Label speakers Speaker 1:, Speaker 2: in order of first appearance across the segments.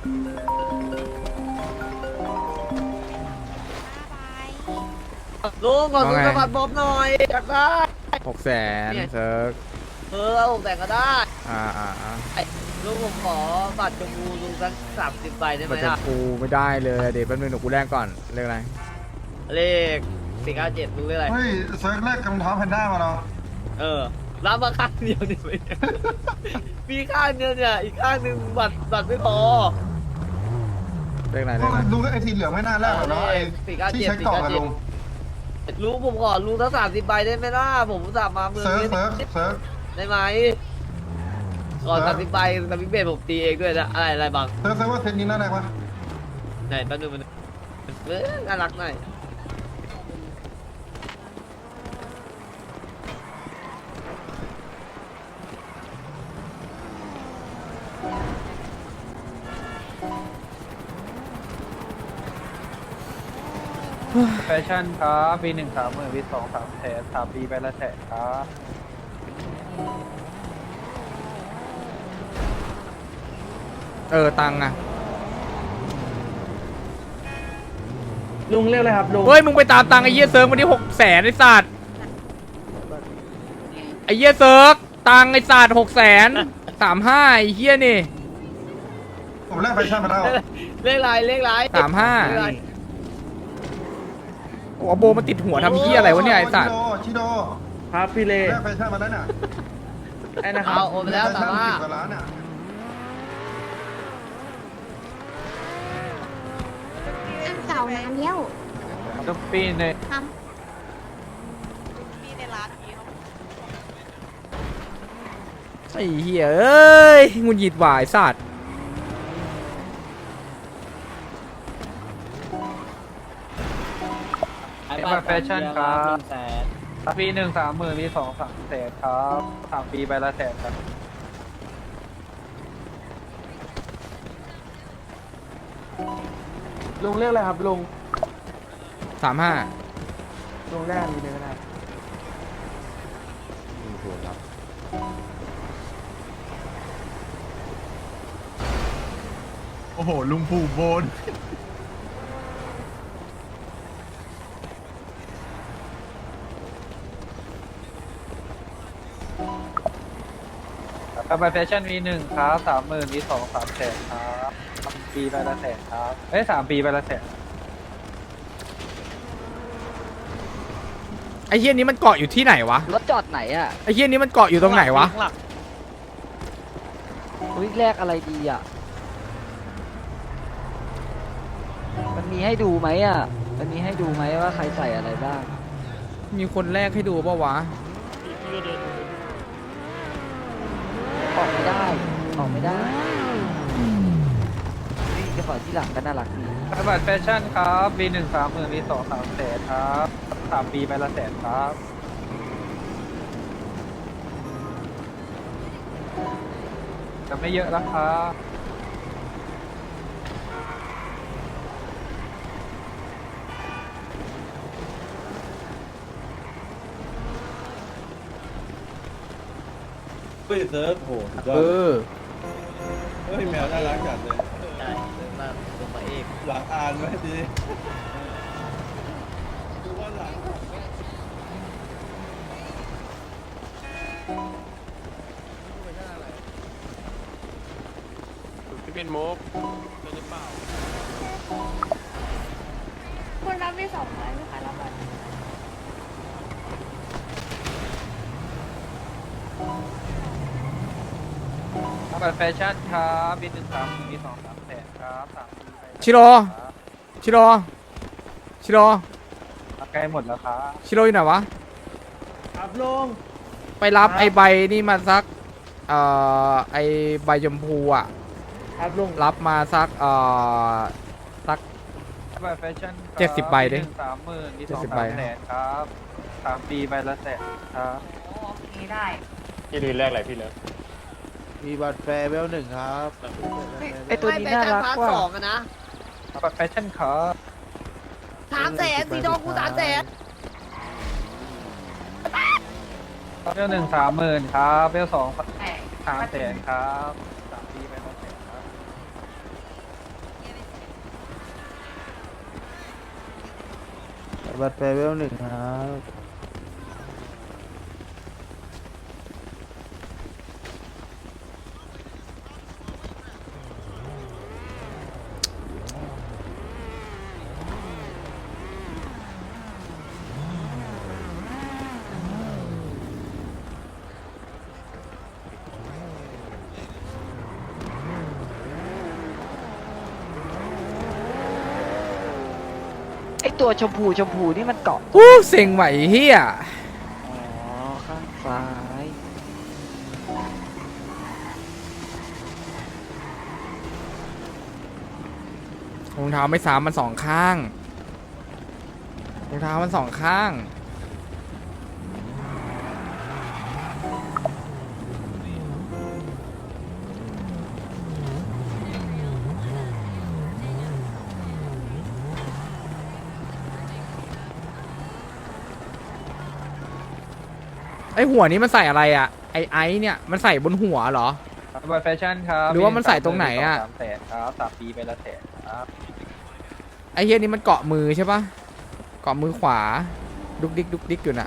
Speaker 1: ลุงขอซื้อสะบัดบ๊อบหน่อยอยากได้
Speaker 2: 600,000เซิร์ก
Speaker 1: ผมแต่งก็ได้
Speaker 2: อ่า
Speaker 1: ลุงผมขอบัตรชมพูลุงสัก30 ใบได้ไหม
Speaker 2: บัตรชม
Speaker 1: ล่ะ
Speaker 2: พูไม่ได้เลยเดี๋ยวแป๊บนึงเดี๋ยวกูแลกก่อนเรียกอะไร
Speaker 1: เลข497ลุงเรียกอะไร
Speaker 3: เฮ้ยเซิร์ฟแรกกำเท้าแพนด้ามาเนาะ
Speaker 1: รับมาข้างเดียวเนี่ยมีข้างเดียวเนี่ยอีกข้างหนึ่งบัตรไม่พอ
Speaker 2: เรียกอะไรเรียกอะไร
Speaker 3: ลุงไอ้สีเหลืองไม่น่าแรกหรอกเนาะไอ้ที่ใช้กล่องอะลุง
Speaker 1: ลุงผมขอลุงสัก30 ใบได้ไหมล่ะผมอุตสาห์มาเมือง
Speaker 3: เซิร์ฟ
Speaker 1: นี้
Speaker 3: เซิร์ฟเซิร์ฟ
Speaker 1: ได้ไหมก่อน30 ใบแต่พี่เบสผมตีเองด้วยนะอะไรบาง
Speaker 3: เซิร์ฟว่าเซตนี้น่าแรกปะ
Speaker 1: ไหนแป๊บนึงมันน่ารักหน่อย
Speaker 4: แฟชั่นครับปี1 30,000ปี2 300,000 3 ปีไปละแสนครับ
Speaker 2: ตังค์อะ
Speaker 5: ลุงเรียกเลยครับลุง
Speaker 2: เฮ้ยมึงไปตามตังค์ไอ้เหี้ยเซิร์กวันนี้600,000ไอ้สัตว์ไอ้เหี้ยเซิร์กตังค์ไอ้สัตว์635,000ไอ้เหี้ยนี่
Speaker 3: ผมแรกแฟชั่นมาแล้ว
Speaker 1: เลขไร
Speaker 2: 35โอ้โบมันติดหัวทำเหี้ยอะไรวะเนี่ยไอ้สัตว์
Speaker 3: ชิโด
Speaker 5: ครับพี่เล่
Speaker 3: แรกแฟชั่นมาแล้วน่ะ
Speaker 5: ไอ้นะครั
Speaker 1: เอา
Speaker 5: บ
Speaker 1: โอนไปแล้ว
Speaker 3: แฟชั่น
Speaker 1: 35
Speaker 3: 10 กว่าล้านอ่ะ
Speaker 6: อันเก่านานแล้ว
Speaker 4: ทุกปีใน
Speaker 6: ครับ
Speaker 2: ไอ้เหี้ยเอ้ยงุนหยิดหวายสัตว์
Speaker 4: แฟชั่นครับปี1 30,000ปี2 300,000ครับ3 ปีไปละแสนครับ
Speaker 5: ลุงเรียกเลยครับลุง
Speaker 2: 35
Speaker 5: ลุงแรกมีเลยก็ได้
Speaker 3: โอ้โหลุงผูโบน
Speaker 4: กระบะแฟชั่นปี1ครับ30,000ปี2 300,000ครับ3 ปีไปละแสนครับ3 ปีไปละแสน
Speaker 2: ไอ้เหี้ยนี้มันเกาะอยู่ที่ไหนวะ
Speaker 1: รถจอดไหนอ่ะ
Speaker 2: ไอ้เหี้ยนี้มันเกาะอยู่ตรงไหนวะ
Speaker 1: อุ้ยแรกอะไรดีอ่ะมันมีให้ดูไหมอ่ะมันมีให้ดูไหมว่าใครใส่อะไรบ้าง
Speaker 2: มีคนแรกให้ดูป่าวะ
Speaker 1: ออกไม่ได้นี่กระเป๋าที่หลังก็น่ารักดี
Speaker 4: กระบะแฟชั่นครับปี1 30,000ปี2 300,000ครับ3 ปีไปละแสนครับจะไม่เยอะแล้วครับ
Speaker 7: เฮ้ยเซิร์ฟโหสุดยอดเฮ้ยแมวน่ารักจัดเลย
Speaker 1: ใช่เลยมาตัวมาเอก
Speaker 7: หลังอ่านไว้ดีดูว่าหลัง
Speaker 6: คุณรับไป200ไหมคะรับบัตร
Speaker 4: กระบะแฟชั่นครับปี1 30,000ปี2 300,000ครับ3 ปีไป
Speaker 2: ชิโร่ ชิโร่
Speaker 4: ใกล้หมดแล้วครับ
Speaker 2: ชิโร่อยู่ไหนวะ
Speaker 5: ครับลุง
Speaker 2: ไปรับไอ้ใบนี่มาสักไอ้ใบชมพูอ่ะ
Speaker 5: ครับลุง
Speaker 2: รับมาสักสัก
Speaker 4: กระบะแฟชั่นครับ
Speaker 2: 70 ใบดิ
Speaker 4: ปี1 30,000ปี2
Speaker 2: 70 ใบ
Speaker 4: 300,000ครับ3 ปีไปละแสนครับ
Speaker 5: มีบัตรแฟร์เวล1ครับ
Speaker 1: ไอตัวนี้น่ารักกว่า2อะนะ
Speaker 4: กระบะแฟชั่นครับ
Speaker 1: 300,000สีทองกู300,000
Speaker 4: เบล1 30,000ครับเบล2 300,000ครับ3 ปีไปละแสนครับ
Speaker 5: บัตรแฟร์เวลหนึ่งครับ
Speaker 8: ไอตัวชมพูนี่มันเกาะ
Speaker 2: อู้เซ็งไหวเฮีย
Speaker 8: อ๋อ ข้างซ้าย
Speaker 2: รองเท้าไม่ซ้ำมันสองข้างรองเท้ามันสองข้างไอหัวนี้มันใส่อะไรอ่ะไอเนี่ยมันใส่บนหัวเหรอ
Speaker 4: บัตรแฟชั่นครับ
Speaker 2: หรือว่ามันใส่ตรงไหนอะ
Speaker 4: 3 แสนครับ3 ปีไปละแสนครับ
Speaker 2: ไอเฮียนี้มันเกาะมือใช่ปะเกาะมือขวาดุกดิกดุกดิกอยู่น่ะ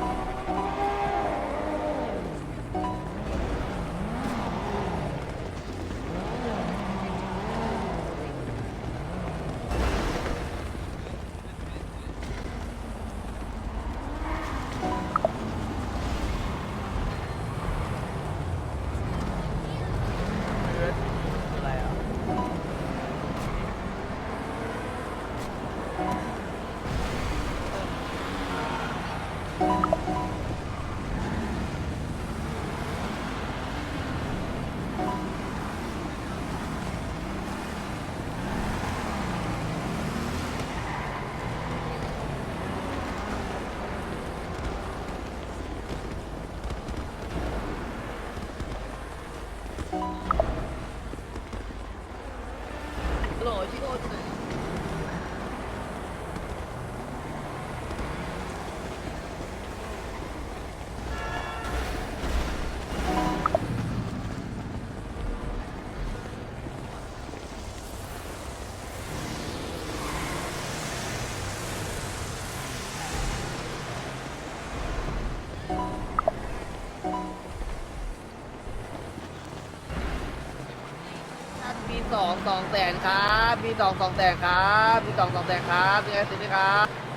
Speaker 1: มี2 แสนครับมี2 แสนครับมี2 แสนครับมีไงสิไหมครับ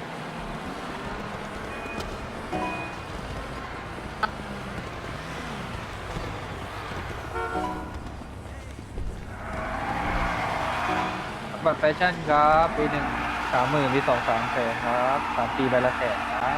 Speaker 4: บัตรแฟชั่นครับปีหนึ่ง30,000 ปี 2 3 แสนครับ3 ปีไปละแสนครับ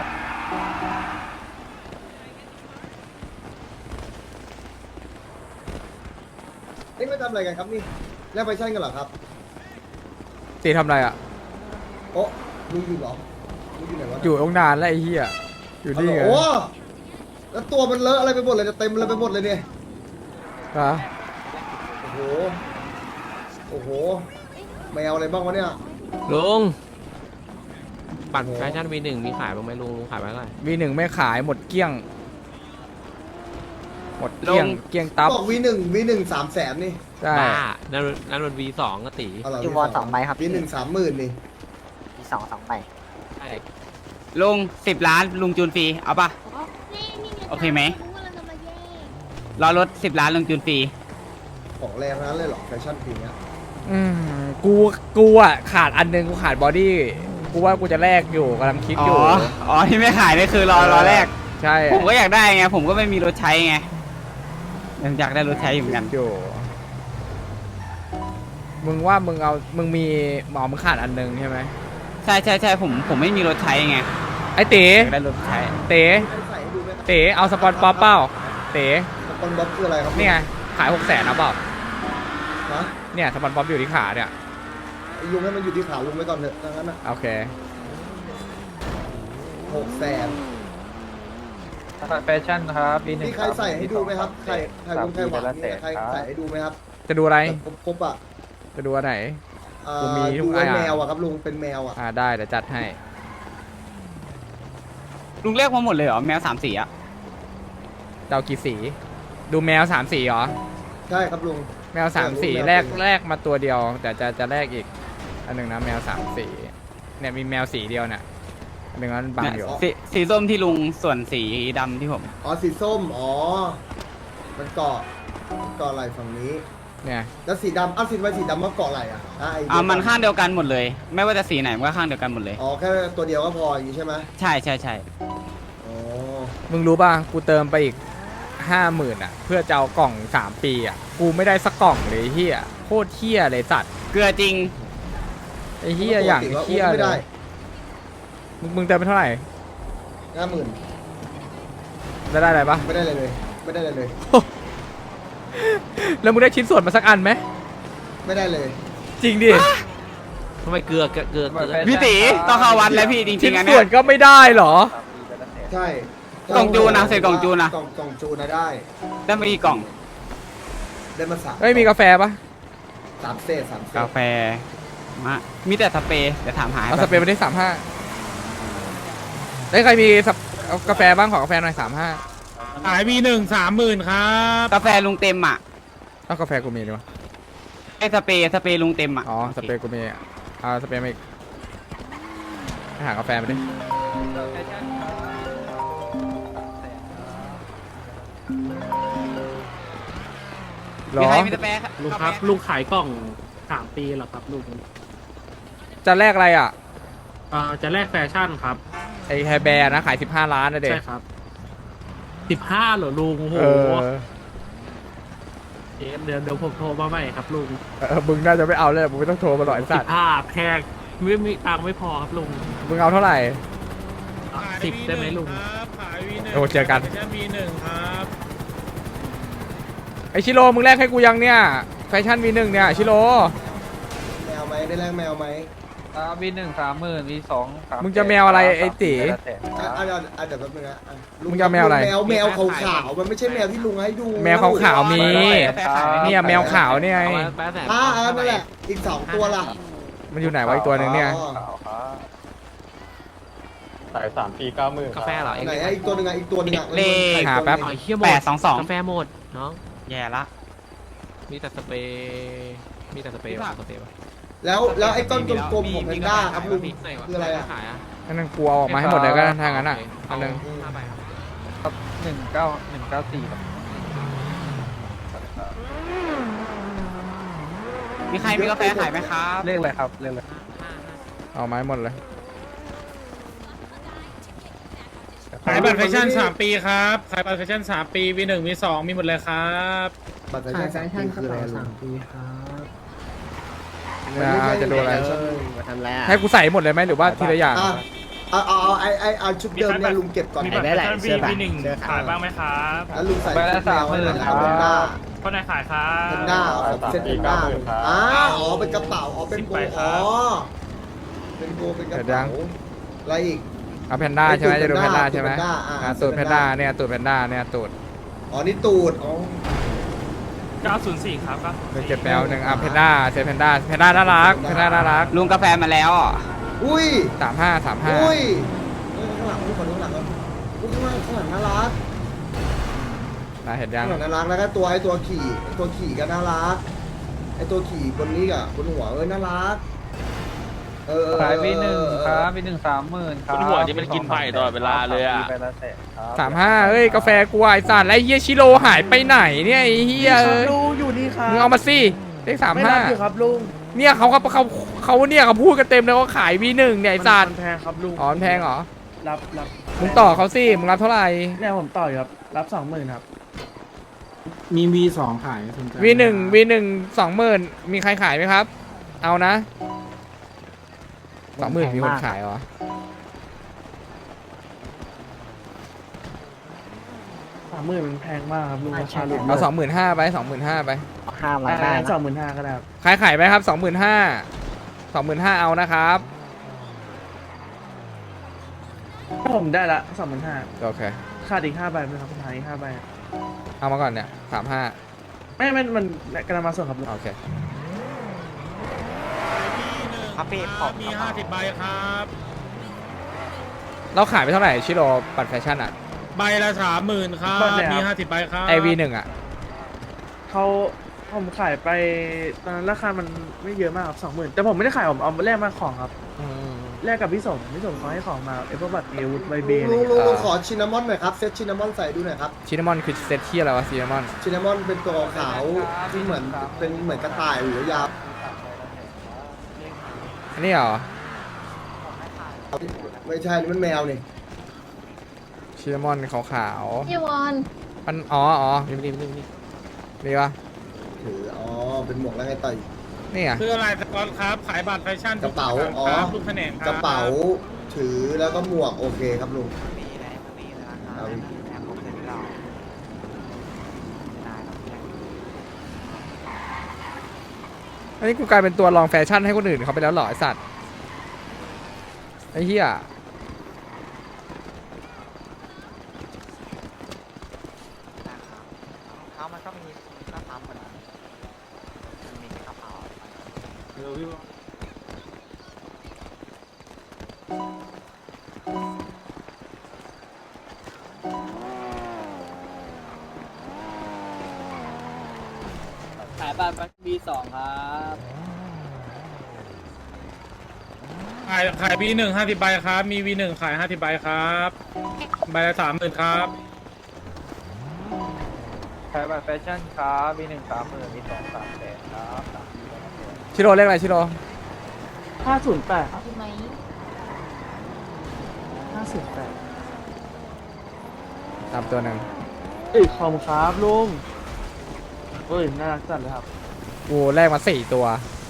Speaker 7: นี่ไม่ทำอะไรกันครับนี่แลกไปชั่นกันเหรอครับ
Speaker 2: ตีทำอะไรอ่ะ
Speaker 7: โอ้ลุงอยู่เหรอลุงอยู่ไหนวะ
Speaker 2: อยู่ตั้งนานแล้วไอ้เหี้ยอยู่นี่ไง
Speaker 7: โอ้แล้วตัวมันเลอะอะไรไปหมดเลยเนี่ยเต็มเลยไปหมดเลยเนี่ย
Speaker 2: ฮะ
Speaker 7: โอ้โหโอ้โหแมวอะไรบ้างวะเนี่ย
Speaker 9: ลุงบัตรแฟชั่น V1 มีขายบ้างไหมลุงขายไปเท่าไหร่
Speaker 2: วีหนึ่งไม่ขายหมดเกลี้ยง หมดเกลี้ยง
Speaker 9: ลง
Speaker 2: เกลี้ยงตับ
Speaker 7: บอกวีหนึ่ง3 แสนนี่
Speaker 2: ใช่
Speaker 9: บ้านั่นมัน V2 ก็ตี
Speaker 7: เอาเหรอ
Speaker 8: อยู่วอ2ใบครับ
Speaker 7: วีหนึ่ง30,000นี่
Speaker 8: มี2 ใบ
Speaker 9: ใช่
Speaker 10: ลุง10 ล้านลุงจูนฟรีเอาปะ โอเคไหม รอรถ10 ล้านลุงจูนฟรี
Speaker 7: ของแรงทั้งนั้นเลยเหรอแฟชั่นปีเนี้ย
Speaker 2: อืมกูอ่ะขาดอันนึงกูขาดบอดี้กูว่ากูจะแลกอยู่กำลังคิด
Speaker 10: อ๋
Speaker 2: อ
Speaker 10: อยู่ อ๋อที่ไม่ขายนี่คือรอแรก
Speaker 2: ใช่
Speaker 10: ผมก็อยากได้ไงผมก็ไม่มีรถใช้ไงยังอยากได้รถใช้อยู่เหมือนกัน
Speaker 2: อยู่มึงว่ามึงมีหมอมึงขาดอันนึงใช่ไหม
Speaker 10: ใช่ผมไม่มีรถใช้ไง
Speaker 2: ไอ้เต๋
Speaker 10: อยากได้รถใช้
Speaker 2: เต๋
Speaker 7: ใส่ให้ดูไหมครับ
Speaker 2: เต๋เอาสปอนป๊อปเปล่าเต๋
Speaker 7: สปอนบ๊อบคืออะไรครับ
Speaker 2: นี่ไงขาย600,000นะเปล่า
Speaker 7: นะ
Speaker 2: เนี่ยสปอนป๊อปอยู่ที่ขาเนี่ย
Speaker 7: ลุงให้มันอยู่ที่ขาลุงไว้ก่อนเถอะดังนั้นอ่ะ
Speaker 2: โอเค
Speaker 7: 6 แสน
Speaker 4: บัตรแฟชั่นครับปีหนึ่ง
Speaker 7: นี่ใครใส่ให้ดูไหมครับใครวงใครหวาน
Speaker 4: ละแส
Speaker 7: นี่
Speaker 4: น
Speaker 7: ใคร
Speaker 4: ครับ
Speaker 7: ใส่ให้ดูไหมครับ
Speaker 2: จะดูอะไร
Speaker 7: แบบครบๆอ่ะ
Speaker 2: จะดูอันไหน กูมีทุ
Speaker 7: ดู
Speaker 2: ก
Speaker 7: ไอ้
Speaker 2: อย่าง
Speaker 7: แมวอ่ะครับลุงเป็นแมวอ่ะ
Speaker 2: ได้เดี๋ยวจัดให้
Speaker 10: ลุงเรียกมาหมดเลยเหรอแมว3 สีอะ
Speaker 2: เดากี่สี ดูแมว3 สีเหรอ
Speaker 7: ใช่ครับลุง
Speaker 2: แมว3 สี
Speaker 7: แมว
Speaker 2: แรกมาตัวเดียว แต่จะแลกอีกอันหนึ่งนะแมว3 สีเนี่ยมีแมวสีเดียวเนี่ยไม่งั้นบังอยู่
Speaker 10: สีส้มที่ลุงส่วนสีดำที่ผม
Speaker 7: อ๋อสีส้มอ๋อมันเกาะไหล่ฝั่งนี้
Speaker 2: เนี่ย
Speaker 7: แล้วสีดำสีดำมันเกาะไหล่อ่ะ
Speaker 10: มันข้างเดียวกันหมดเลย ไม่ว่าจะสีไหนมันก็ข้างเดียวกันหมดเลย
Speaker 7: อ๋อแค่ตัวเดียวก็พออย่างนี้ใช่ไหม
Speaker 10: ใช่ใช่ใช่
Speaker 7: อ๋อ
Speaker 2: มึงรู้ป่ะกูเติมไปอีก 50,000อ่ะเพื่อจะเอากล่อง3 ปีอ่ะกูไม่ได้สักกล่องเลยเฮียโคตรเฮียเลยสัตว์
Speaker 10: เกลือจริง
Speaker 2: ไอ้เฮียอย่างเฮีย
Speaker 7: ไม่
Speaker 2: เล
Speaker 7: ได้
Speaker 2: ยมึงเติมไปเท่าไหร่
Speaker 7: 50,000
Speaker 2: ได้อะไรปะ
Speaker 7: ไม่ได้เลยไม่ได้เลย
Speaker 2: แล้วมึงได้ชิ้นส่วนมาสักอันไหม
Speaker 7: ไม่ได้เลย
Speaker 2: จริงดิ
Speaker 9: ทำไมเกลือ
Speaker 10: พี่ตีต้องเข้าวัดแล้วพี่จริ
Speaker 2: ชิ้น
Speaker 10: งๆอัน
Speaker 2: ส่
Speaker 10: เนี้
Speaker 2: วย นก็ไม่ได้เหรอ
Speaker 7: ใช่
Speaker 10: กล่องจูนนะเสร็จกล่องจูนนะ
Speaker 7: กล่องจูนนะได้
Speaker 10: ได้มากี่กล่อง
Speaker 7: ได้มา3
Speaker 2: เฮ้ยมีกาแฟปะ
Speaker 7: 3 เศษ
Speaker 10: กาแฟมีแต่สเปรย์เดี๋ยวถามหา
Speaker 2: เอาสเปรย์ไปได้35ได้ยใครมีเอากาแฟบ้างขอกาแฟหน่อย35
Speaker 5: ขายV1 30,000ครับ
Speaker 10: กาแฟลุงเต็มอ่ะ
Speaker 2: เอากาแฟกูมีดีวะ
Speaker 10: ไอ้สเปรย์ลุงเต็มอ่ะ
Speaker 2: อ๋อสเปรย์กูมีเอาสเปรย์มาอีกไปหากาแฟมาดิหร
Speaker 10: มี
Speaker 2: อ
Speaker 10: ใครมีสเปรย์
Speaker 5: ลุงครับลุงขายกล่อง3 ปีเหรอครับลุง
Speaker 2: จะแลกอะไรอ่ะ
Speaker 5: จะแลกแฟชั่นครับ
Speaker 2: ไอ้แฮร์แบร์นะขาย15 ล้านนะเด็ก
Speaker 5: ใช่ครับ15เหรอลุงโอ้โห
Speaker 2: เออ
Speaker 5: เดี๋ยวผมโทรมาใหม่ครับลุง
Speaker 2: มึงน่าจะไม่เอาเลยมึงไม่ต้องโทรมาหรอกไอ้สัตว์
Speaker 5: 15แพงไม่มีตังค์ไม่พอครับลุง
Speaker 2: มึงเอาเท่าไหร่
Speaker 5: 10ได้ไหมลุง
Speaker 2: โอ้เจอกัน
Speaker 5: V1 ครับ
Speaker 2: ไอชิโร่มึงแลกให้กูยังเนี่ยแฟชั่น V1 เนี่ยชิโร่
Speaker 7: แมวไหมได้แลกแมวไหม
Speaker 4: V1 30,000 V2 3
Speaker 2: มึงจะแมวอะไรไอ้ตี
Speaker 7: เดี๋ยวแป๊บนึงนะ
Speaker 2: มึงจะเอาแมวอะไร
Speaker 7: แมวขาวๆมันไม่ใช่แมวที่ลุงให้ดู
Speaker 2: แมวขาวๆมีเนี่ยแมวขาวเนี่ยไง
Speaker 7: นั่นแหละอีก2 ตัวล่ะ
Speaker 2: มันอยู่ไหนวะอีกตัวหนึ่งเนี่ย
Speaker 4: ขาย3 ปี 90,000
Speaker 9: กาแฟเหรอ
Speaker 7: ไหนอีกตัวหนึ่งอีกตัวหนึ่ง
Speaker 10: เลข
Speaker 2: หาแป๊บ
Speaker 9: อ๋อเฮียหมด
Speaker 10: 822
Speaker 9: กาแฟหมดน้อง
Speaker 10: แย่ละ
Speaker 9: มีแต่สเปรย์มีแต่สเปรย์วะสเปรย์วะ
Speaker 7: แล้วไอ้ต้นกลมๆของแพนด้าครับลุงคืออะไรอ่ะ
Speaker 9: ขายอ่ะ
Speaker 2: อันนั้นกูเอาออกมาให้หมดเลยก็ได้ถ้างั้นอ่ะอันนึง
Speaker 9: 5 ใบครับ
Speaker 4: ครับ19194ครับ
Speaker 10: มีใครมีกาแฟขายไหมครับ
Speaker 4: เลขอะไรครับเลขอะไร
Speaker 2: เอามาให้หมดเลย
Speaker 5: ขายบัตรแฟชั่น3 ปีครับขายบัตรแฟชั่น3 ปี V1 V2 มีหมดเลยครับ
Speaker 7: บัตรแฟชั่นคืออะไรลุง
Speaker 2: จะดูอะไร
Speaker 1: มาทำอะไรอ่ะ
Speaker 2: ให้กูใส่หมดเลยไหมหรือว่าทีละอย่าง
Speaker 7: เอาชุดเดิมเนี่ยลุงเก็บก่อน
Speaker 1: ไอ้ได้แหละเสื้อแบบ
Speaker 5: ขายบ้างไหมครับ
Speaker 7: แล้วลุงใส่
Speaker 4: ใบละ
Speaker 7: แมวไว้หน่อย
Speaker 4: 30,000
Speaker 7: เอาเป็นหน้า
Speaker 5: คนไหนขายครั
Speaker 7: เป็นหน้าเซ็ตเป็นหน้าอ๋อเป็นกระเป๋าเป็นโบเป็นโบเป็นกระเป๋าอะไรอีก
Speaker 2: เอาแพนด้าใช่ไหมจะดูแพนด้าใช่ไหม
Speaker 7: ตูดแพนด้า
Speaker 2: ตูดแพนด้าเนี่ยตูดแพนด้าเนี่ยตูด
Speaker 7: อ๋อนี่ตูดอ๋อ
Speaker 5: 904ครับ
Speaker 2: เก็บแมวหนึ่งอ่ะแพนด้าเซแพนด้าน่ารักแพนด้าน่ารัก
Speaker 10: ลุงกาแฟมาแล้วอ่ะ
Speaker 7: อุ้ย
Speaker 2: 35
Speaker 7: อุ้ยข้างหลังขอดูข้างหลังก่อนข้างหลังน่ารัก
Speaker 2: น่าเห็นยัง
Speaker 7: ข้างหลังน่ารักแล้วก็ตัวไอ้ตัวขี่ก็น่ารักไอ้ตัวขี่บนนี้กับบนหัวน่ารัก
Speaker 4: ขาย V1 ครับ V1 30,000 ครับ
Speaker 5: บนหัวนี่มันกินไผ่ตลอดเวลาเลยอะ
Speaker 4: ไปละแสนครับ
Speaker 2: 35เอ้ยกาแฟกูไอ้สัตว์แล้วเฮียชิโร่หายไปไหนเนี่ยไอ้เฮียเอ้ย
Speaker 5: ลุงอยู่นี่ครับ
Speaker 2: มึงเอามาสิเลข
Speaker 5: ไม่รับอยู่ครับลุง
Speaker 2: 35เนี่ยเขาเนี่ยเขาพูดกันเต็มเลยว่าขาย V1 เนี่ยไอ้สัตว์
Speaker 5: มันแพงครับลุง
Speaker 2: อ๋อมันแพงเหรอ
Speaker 5: รับ
Speaker 2: มึงต่อเขาสิมึงรับเท่าไหร่
Speaker 5: เนี่ยผมต่ออยู่ครับรับ20,000ครับ
Speaker 11: มี V2 ขายสนใจ
Speaker 2: V1 20,000มีใครขายไหมครับ เอานะ 20,000มีคนขายเหรอ
Speaker 5: 30,000มันแพงมากครับลุงราคาลุง
Speaker 2: เอา25,000ไป25,000ไป
Speaker 1: ห้ามมาได้นะ
Speaker 5: 25,000ก็ได้ครับ
Speaker 2: ใครขายไหมครับ25,000เอานะครับ
Speaker 5: ผมได้ละ25,000
Speaker 2: โอเค
Speaker 5: ขาดอีก5 ใบไหมครับขาดอีก5 ใบ
Speaker 2: เอามาก่อนเนี่ย35
Speaker 5: ไม่มันกำลังมาส่งครับลุง
Speaker 2: โอเค
Speaker 10: ครับพี่ขอบ
Speaker 5: มี50 ใบครับ
Speaker 2: เราขายไปเท่าไหร่ชิโร่บัตรแฟชั่นอ่ะ
Speaker 5: ใบละ30,000ครับมี50 ใบครับ
Speaker 2: ไอ V1 อ่ะ
Speaker 5: ผมขายไปตอนนั้นราคามันไม่เยอะมากครับ20,000แต่ผมไม่ได้ขายผมเอาแลกมาของครับ
Speaker 11: แลกกับพี่สมเขาให้ของมาเอฟบัตเอวุฒใบเบ
Speaker 7: ลุงขอชินนามอนหน่อยครับเซตชินนามอนใส่ดูหน่อยครับ
Speaker 2: ชินามอนคือเซตที่อะไรวะชินามอน
Speaker 7: ชินนามอนเป็นตัวขาวที่เหมือนเป็นเหมือนกระต่ายหรือยาว
Speaker 2: อันนี้เหรอ
Speaker 7: ไม่ใช่นี่มันแมวนี่
Speaker 2: ชินามอนขาว
Speaker 6: พี่วอน
Speaker 2: ๆมันอ๋อนี่ปะ
Speaker 7: ถืออ๋อเป็นหมวกแล้วไงต่อย
Speaker 2: นี่อ่ะ
Speaker 5: คืออะไรสกอตครับ ขายบัตรแฟชั่น
Speaker 7: กระเป๋าอ๋อ
Speaker 5: ทุกแผนกคบ
Speaker 7: กระเป๋าถือแล้วก็หมวกโอเคครับลุง
Speaker 2: อันนี้กูกลายเป็นตัวรองแฟชั่นให้คนอื่นเขาไปแล้วเหรอไอสัตว์ไอ้เหี้ย
Speaker 8: เขามันก็มีข้าวปั๊มเหมือนกันมีข้าวเปล่า
Speaker 1: ขายบัตรB2 ครับ
Speaker 5: ขาย V1 50 ใบครับ มี V1 ขาย50 ใบครับใบละ30,000ครับ
Speaker 4: ขายบัตรแฟชั่นครับมี1 30,000มี2 3แสนครับ3ปีแล้วนะ
Speaker 2: ชิโร่เลขอะไรชิโร่
Speaker 11: 508ครับ
Speaker 6: ถูกไหม
Speaker 11: 508
Speaker 2: ตามตัวหนึ่ง
Speaker 11: ขอบคุณครับลุงเฮ้ยน่ารักจัดเลยครับ
Speaker 2: กูแลกมา4 ตัว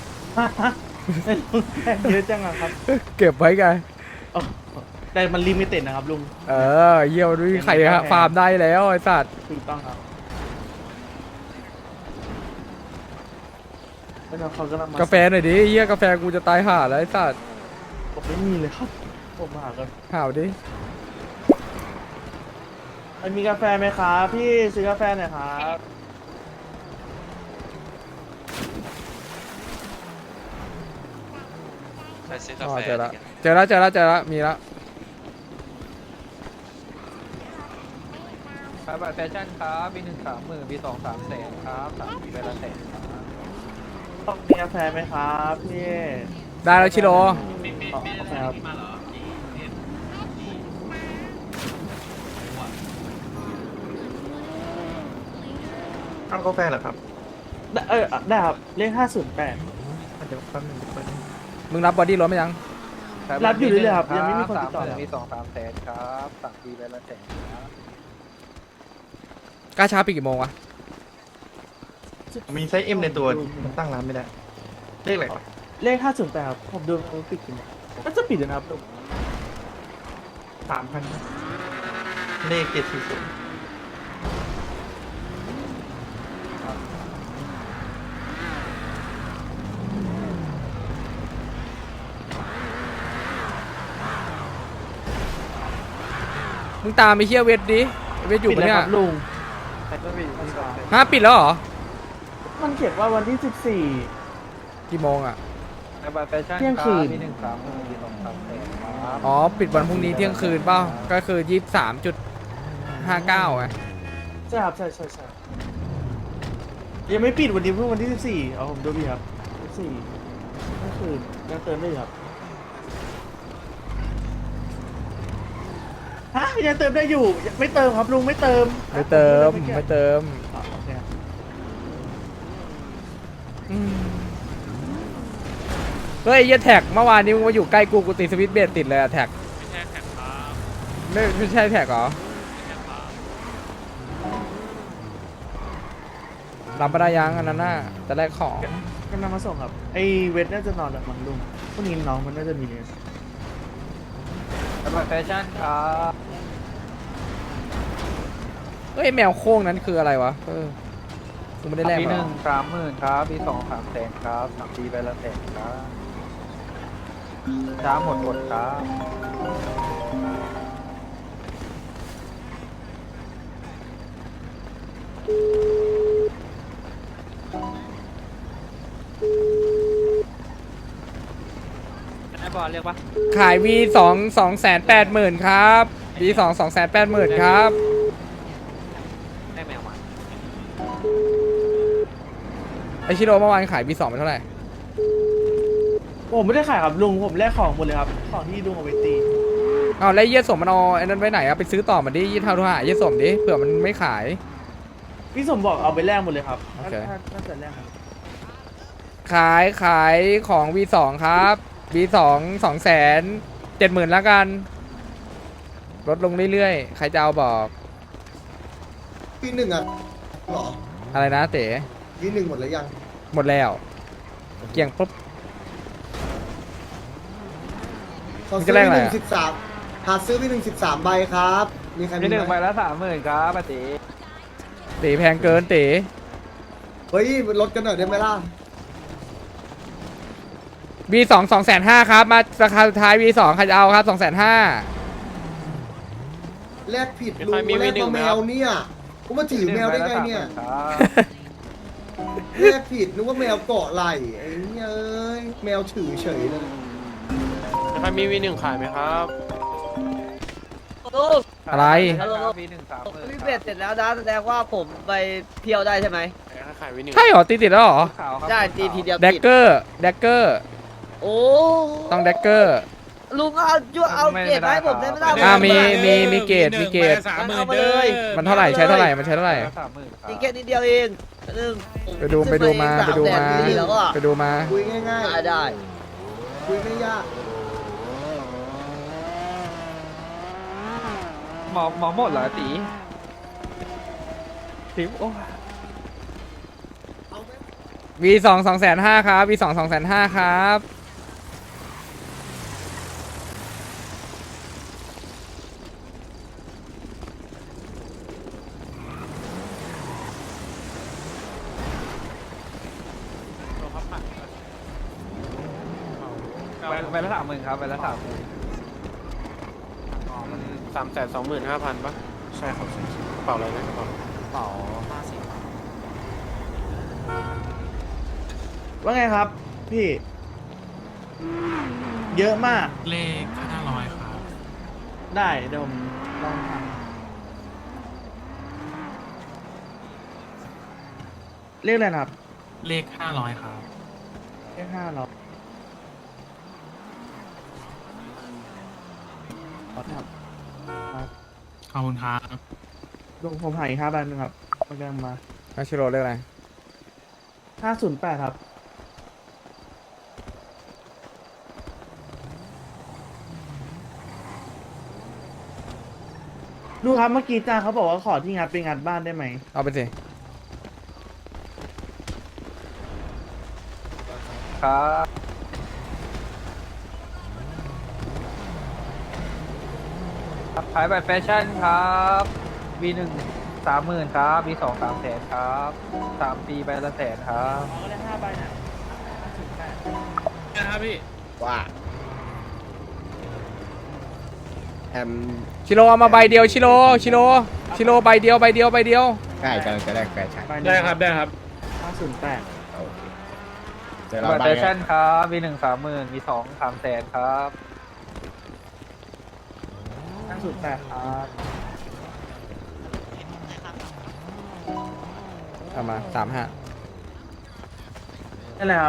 Speaker 11: เยอะจังอะครับ
Speaker 2: เก็บไว้ไง
Speaker 11: แต่มันลิมิเต็ดนะครับลุง
Speaker 2: เยี่ยมด้วยใครฮะฟาร์มได้แล้วไอ้สัตว์
Speaker 11: ถูกต้องครับแล้วเขากำลังมาก
Speaker 2: าแฟหน่อยดิเยี่ยกาแฟกูจะตายห่าแล้วไอ้สัตว์
Speaker 11: ผมไม่มีเลยครับผมมาหากัน
Speaker 2: ห่าวดิ
Speaker 11: มันมีกาแฟไหมครับพี่ซื้อกาแฟหน่อยครับ
Speaker 2: อ๋อเจอแล้วมีแล้ว
Speaker 4: ขายบัตรแฟชั่นครับมี1 30,000มี2 3แสนครับ3ปีใบละแสนครับ
Speaker 11: ต้องมีกาแฟไหมครับพี่
Speaker 2: ได้แล้วชิโร่
Speaker 11: อ๋อโอเคครับ
Speaker 3: เอากาแฟเหรอครับ
Speaker 11: ได้ครับเลข508
Speaker 3: เดี๋ยวแป๊บนึง
Speaker 2: มึงรับบอดี้รถไหมยัง
Speaker 11: รับอยู่เรื่อยๆครับยังไม่มีคนติดต่อ
Speaker 4: 30,000มี2 3แสนครับ3ปีใบละแสนครับ
Speaker 2: กล้าช้าปิดกี่โมงวะ
Speaker 3: มีไซส์ M ในตัวมันตั้งร้านไม่ได้เลขอะไรวะ
Speaker 11: เลข508ครับผมดูเขาปิดกี่โมงก็จะปิดนะครับลุง
Speaker 3: 3,000เลข740
Speaker 2: มึงตามไปเฮียเวทดิเวทอยู่ปะเนี่ย
Speaker 11: ปิดแล้วครับลุง
Speaker 2: ปิดแล้วเหรอ
Speaker 11: มันเขียนว่าวันที่
Speaker 2: กี่โมงอ่ะ
Speaker 4: ขายบัตรแฟชั่น
Speaker 11: เที่ยงคืน
Speaker 4: มี1 30,000มี2 3แสนครับ
Speaker 2: อ๋อปิดวันพรุ่งนี้เที่ยงคืนเปล่าก็คือ23.59ไง
Speaker 11: 14ใช่ครับใช่ยังไม่ปิดวันนี้เพิ่งวันที่14เอาผมดูพี่ครับ14ก็คือยังเติมได้อยู่ครับฮะยังเติมได้อยู่ไม่เติมครับลุงไม่เติม
Speaker 2: ไม่เติม
Speaker 11: อ๋อโอเคครับ
Speaker 2: เฮ้ยเหี้ยแท็กเมื่อวานนี้มึงมาอยู่ใกล้กูตีสวิตช์เบรดติดเลยอะแท็กไม่ใช่แท็กเหรอรับมาได้ยังอันนั้นน่ะจะแลกของ
Speaker 11: กำลังมาส่งครับไอเวทน่าจะนอนแบบมันลุงพรุ่งนี้น้องมันน่าจะมีเนี่ย
Speaker 4: ขายบัตรแฟชั่นครับ
Speaker 2: เฮ้ยแมวโค้งนั้นคืออะไรวะกูไม่ได้แลก
Speaker 4: มี
Speaker 2: มาหรอ
Speaker 4: 1 30,000ครับมี2 3แสนครับ3ปีใบละแสนครับช้าหมดอดครับ
Speaker 9: ไอ้บอลเรียกปะ
Speaker 2: ขาย V2 280,000ครับ V2 280,000ครับ
Speaker 9: ได้แมวมา
Speaker 2: ไอชิโร่เมื่อวานขาย V2 ไปเท่าไหร่
Speaker 11: ผมไม่ได้ขายครับลุงผมแลกของหมดเลยครับของที่ลุงเอาไปตี
Speaker 2: เอาแล้วเยี่ยสมมันเอาไอ้นั้นไว้ไหนอะไปซื้อต่อมันดิยี่เท่าทุกหาเยี่ยสมดิเผื่อมันไม่ขาย
Speaker 11: พี่สมบอกเอาไปแลกหมดเลยครับ
Speaker 2: โอเค
Speaker 11: ถ้าจะแลกครับ
Speaker 2: ขายของ V2 ครับ V2 270,000แล้วกันลดลงเรื่อยๆใครจะเอาบอก
Speaker 7: ปีหนึ่งอ่ะหรอ
Speaker 2: อะไรนะเต๋
Speaker 7: ปีหนึ่งหมดแล้วยัง
Speaker 2: หมดแล้วเกี่ยงปุ๊บ
Speaker 7: ขอ
Speaker 2: มัน
Speaker 7: ซื้
Speaker 2: จะ
Speaker 7: อ
Speaker 2: แลก
Speaker 7: ปี
Speaker 2: อะไร
Speaker 7: หนึ่
Speaker 2: อะ
Speaker 7: งหาซื้อปีหนึ่ง13ใบครับ มีใครมี
Speaker 4: มีหนึ่ง
Speaker 7: ไห
Speaker 4: ใบ
Speaker 7: ม
Speaker 4: ละ30,000ครับป้าตี
Speaker 2: เต๋แพงเกินเต๋
Speaker 7: เฮ้ยลดกันหน่อยได้ไหมล่ะ
Speaker 2: V2 250,000ครับมาราคาสุดท้าย V2 ใครจะเอาครับ 250,000
Speaker 7: แลกผิดลุงแลกมาแมวเนี่ยกูมาถือแมวได้ไงเนี่ย
Speaker 4: ครับ
Speaker 7: แลกผิดนึกว่าแมวเกาะไหล่ไอ้เนี่ยเอ้ยแมวถือเฉยเลย
Speaker 9: ใครมี V1 ขายไหมครับ
Speaker 1: ลูก
Speaker 2: อะไร
Speaker 4: มีหนึ่ง30,000
Speaker 1: พี่เบ็ดเสร็จแล้วนะแสดงว่าผมไปเที่ยวได้ใช่ไหม
Speaker 9: ขาย V1
Speaker 2: ใช่เหรอติดแล้วเหรอ
Speaker 4: ขาวครับ
Speaker 1: ได้ตีทีเดียว
Speaker 2: แดก
Speaker 1: ติด
Speaker 2: เกอร์
Speaker 1: โอ้
Speaker 2: ต้องแดกเกอร์
Speaker 1: ลุงเอาจุเอาเกรดมาให้ผมได้ไม่ได้
Speaker 2: อ่ามี
Speaker 1: ผ
Speaker 2: เกรด
Speaker 1: เอามาเลย
Speaker 2: มันเท่าไหร่ใช้เท่าไหร่มันใช้เท่าไหร่
Speaker 4: 30,000ครับ
Speaker 1: อีกแค่นิดเดียวเองหนึ่ง
Speaker 2: ไปดูมาไปดูมา
Speaker 1: แล้วก็
Speaker 2: ไปดูมา
Speaker 7: คุยง่าย
Speaker 1: ได้
Speaker 7: ๆคุยไม่ยาก
Speaker 4: หมอหมดเหรอตีโอ้
Speaker 2: V2 250,000ครับ V2 250,000ครับ
Speaker 4: ใบละ30,000ครับใบละ30,000
Speaker 9: มัน325,000ปะใช่ครับกระเป๋าอะไรนะกระเป๋า
Speaker 8: เป่า50
Speaker 11: ว่าไงครับ พี่ เยอะมาก
Speaker 5: เลข500ครับ
Speaker 11: ได้เดี๋ยวผมลองทำเรียกอะไรนะครับ
Speaker 5: เลข500ครับ
Speaker 11: เรียก500ขอทำครับ
Speaker 5: ขอบคุณครับ
Speaker 11: ลุงผมหายอีก5 ใบนึงครับมันกำลังมา
Speaker 2: อาชิโร่เรียกอะไร
Speaker 11: 508ครับลูกครับเมื่อกี้จ้าเขาบอกว่าขอที่งัดไปงัดบ้านได้ไหม
Speaker 2: เอาไปสิ
Speaker 4: ครับขายแบบแฟชั่นครับ V1 30,000ครับ V2 300,000ครับ3 ปีใบละ100,000ครับ
Speaker 11: ก็ได้5 ใบนะ
Speaker 5: นะครับพี่
Speaker 7: ว่าแอม
Speaker 2: ชิโร่เอามาใบเดียวชิโร่ใบเดียว
Speaker 7: ใกล้กำลังจะแลกแฟชั่น
Speaker 11: ใบหนึ่ง
Speaker 5: ได้ครับได้ครับ
Speaker 11: 508
Speaker 7: โอเคเดี๋ยว
Speaker 4: แบ
Speaker 7: เรา
Speaker 4: บ
Speaker 7: ไป
Speaker 4: แฟชั่นครับ V1 30,000 V2 300,000ครับ
Speaker 11: 508ครับ
Speaker 2: เอามา35
Speaker 11: นั่นแหละครับ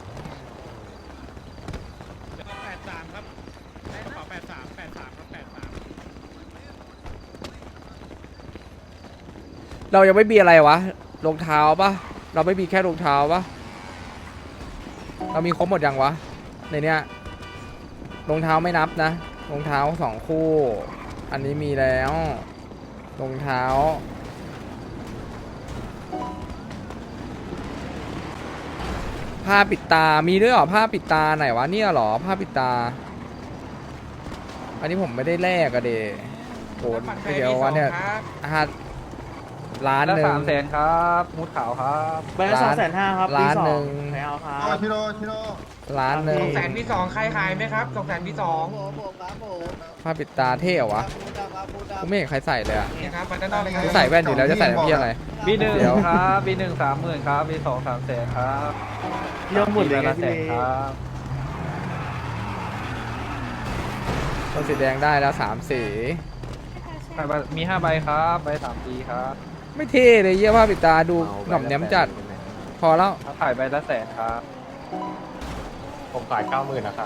Speaker 5: 83ครับกระเป๋า83ครับ83
Speaker 2: เรายังไม่มีอะไรวะรองเท้าปะเราไม่มีแค่รองเท้าปะเรามีครบหมดยังวะในเนี้ยรองเท้าไม่นับนะรองเท้า2 คู่ อันนี้มีแล้วรองเท้าผ้าปิดตามีด้วยเหรอผ้าปิดตาไหนวะเนี่ยเหรอผ้าปิดตา อันนี้ผมไม่ได้แลกอะเดโหเดี๋ยววันเนี่ยล้าน
Speaker 4: ละ
Speaker 2: หนึ่ง
Speaker 4: 300,000ครับมูดขาวครับ
Speaker 11: ใบละ250,000ครับ
Speaker 2: ล้าน
Speaker 11: ปี
Speaker 2: หนึ่ง
Speaker 11: 2ใครเอาครับ
Speaker 3: ชิโร่
Speaker 2: ล้านหนึ่ง
Speaker 5: 200,000 ใครขายไหมครับ200,000 พี่
Speaker 2: ผ้าปิดตาเท่เหรอวะกูไม่เห็นใครใส่เลยอะ
Speaker 5: 2ครับไปด้านนอกเลยครับ
Speaker 2: กูใส่แว่นอยู่แล้วจะใส่ทำเพี้ยอะไร
Speaker 4: V1
Speaker 2: เดี๋ยว
Speaker 4: ครับ V1 30,000ครับ V2 300,000ครับ
Speaker 11: เรื่องหมดเลย
Speaker 4: ใบ
Speaker 11: ไง
Speaker 4: ละ
Speaker 11: พี่
Speaker 4: 100,000ครับ
Speaker 2: ตัวสีแดงได้แล้ว3 สี
Speaker 4: มี5 ใบครับใบ3 ปีครับ
Speaker 2: ไม่เท่เลยเยี่ยผ้าปิดตาดูหน่อมแนมจัด พอแล้ว
Speaker 4: ขายใบละ100,000ครับ
Speaker 3: ผมขาย90,000นะครับ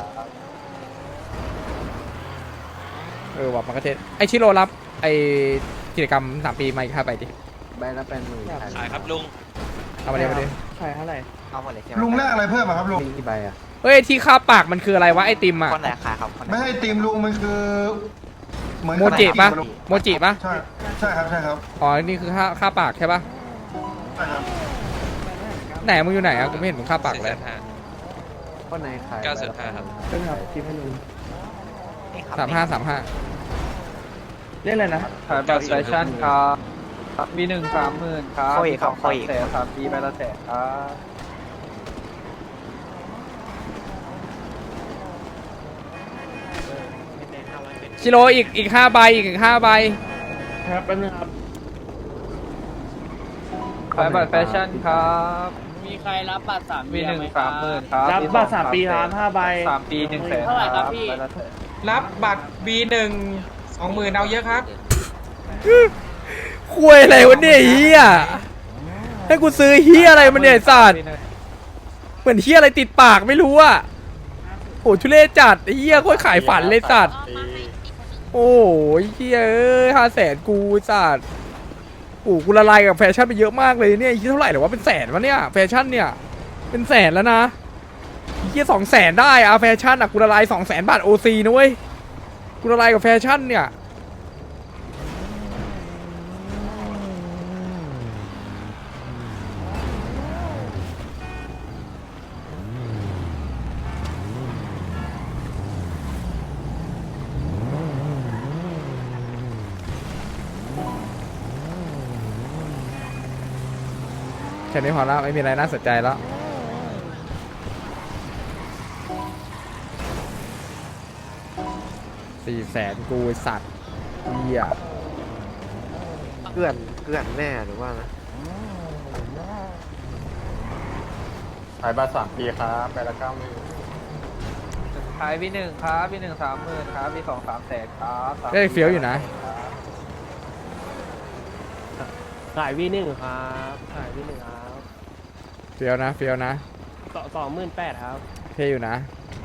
Speaker 2: ว่ะมันก็เทสไอชิโร่รับไอกิจกรรม3 ปีมาอีก5 ใบดิ
Speaker 8: ใบละ80,000
Speaker 5: ขายครับลุง
Speaker 2: เอามาเดี๋ยวมาดิ
Speaker 11: ขายเท่าไหร่
Speaker 8: เอาหมดเลยใช่ไหม
Speaker 3: ลุงแรกอะไรเพิ่มครับลุง
Speaker 8: กี่ใบอ่ะ
Speaker 2: เฮ้ยที่ค่าปากมันคืออะไรวะไอติมอ่ะ
Speaker 8: คนไหนขายครับคนไหน
Speaker 3: ไม่ให้ตีมลุงมันคือเหมือน
Speaker 2: โมจิปะโมจิปะ
Speaker 3: ใช่ใช่ครับใช่ครับ
Speaker 2: อ๋อนี่คือค่าปากใช่ปะ
Speaker 3: ใช่ครับ
Speaker 2: ไหนมึงอยู่ไหนอ่ะกูไม่เห็นมึงค่าปากเลย
Speaker 8: คนไหนขาย
Speaker 5: 905ครับ
Speaker 11: เป็นครับทีมให้ลุง
Speaker 2: 35
Speaker 11: เรียกอะไรนะ
Speaker 4: ขายบัตรแฟชั่นครับวี1 30,000ครับวี2 3แสน3 ปีใบละแสนครับ
Speaker 2: ชิโร่อีก5 ใบอีก5 ใบ
Speaker 11: ครับแป๊บนึงครับ
Speaker 4: ขายบัตรแฟชั่นครับ
Speaker 1: มีใครรับบัตร3
Speaker 4: วี1 30,000ครับ
Speaker 11: รับบัตร3 ปีครับ5 ใบ
Speaker 4: 3 ปี1 แสน
Speaker 1: เท่าไหร่ครับพี่
Speaker 4: ใบละแสน
Speaker 5: รับบัตร B1 20,000เอาเยอะครับ
Speaker 2: คุยอะไรวะเนี่ยเฮียให้กูซื้อเฮียอะไรมันเนี่ยไอ้สัตว์เหมือนเฮียอะไรติดปากไม่รู้อ่ะโอ้ทุเรศจัดไอ้เฮียโคตรขายฝันเลยสัตว์โอ้ยเฮีย500,000กูสัตว์โอ้กูละลายกับแฟชั่นไปเยอะมากเลยเนี่ยเฮียเท่าไหร่หรอวะเป็นแสนวะเนี่ยแฟชั่นเนี่ยเป็นแสนแล้วนะเฮีย200,000ได้อะแฟชั่นอะกูละลาย200,000 บาทโอซีนะเว้ยกูละลายกับแฟชั่นเนี่ยแค่นี้พอแล้วไม่มีอะไรน่าสนใจแล้ว400,000กูไอ้สัตว์เหี้ย
Speaker 8: เกลื่อนแน่หรือว่านะ
Speaker 3: ขายบัตร3 ปีครับใบละ90,000
Speaker 4: ขายวี1ครับวี1 30,000ครับวี2 3แสนครับ3
Speaker 2: ได้เฟี้ยวอยู่นะ
Speaker 11: ขายวี1ครับขายวี1ครับ
Speaker 2: เฟี้ยวนะเฟี้ยวนะ
Speaker 11: 28,000ครับ
Speaker 2: เท่อยู่นะ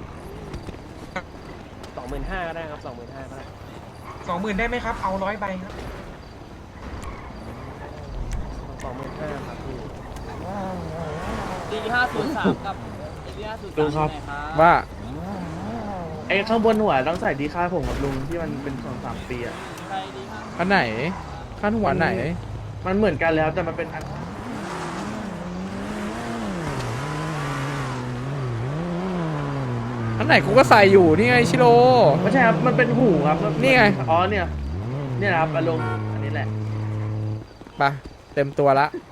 Speaker 11: 25,000ก็ได้ครับ25,000ก็ได้
Speaker 5: 20,000ได้ไหมครับ เอา100 ใบครับ
Speaker 11: 25,000ครับพี่
Speaker 1: ตี503กับตี503
Speaker 11: ลุงครับ
Speaker 2: ว่า
Speaker 11: ไอ้ข้างบนหัวต้องใส่ดีค่าผมกับลุงที่มันเป็น2-3 ปีอ่ะ
Speaker 1: ใครดีครับ
Speaker 2: อันไหนขั้นหัวไหน
Speaker 11: มันเหมือนกันแล้วแต่มันเป็นอัน
Speaker 2: อันไหนกูก็ใส่อยู่นี่ไงชิโร่
Speaker 11: ไม่ใช่ครับมันเป็นหูครับ
Speaker 2: นี่ไง
Speaker 11: อ๋อเนี่ยนะครับอารมณ์อันนี้แหละ
Speaker 2: ไปเต็มตัวละ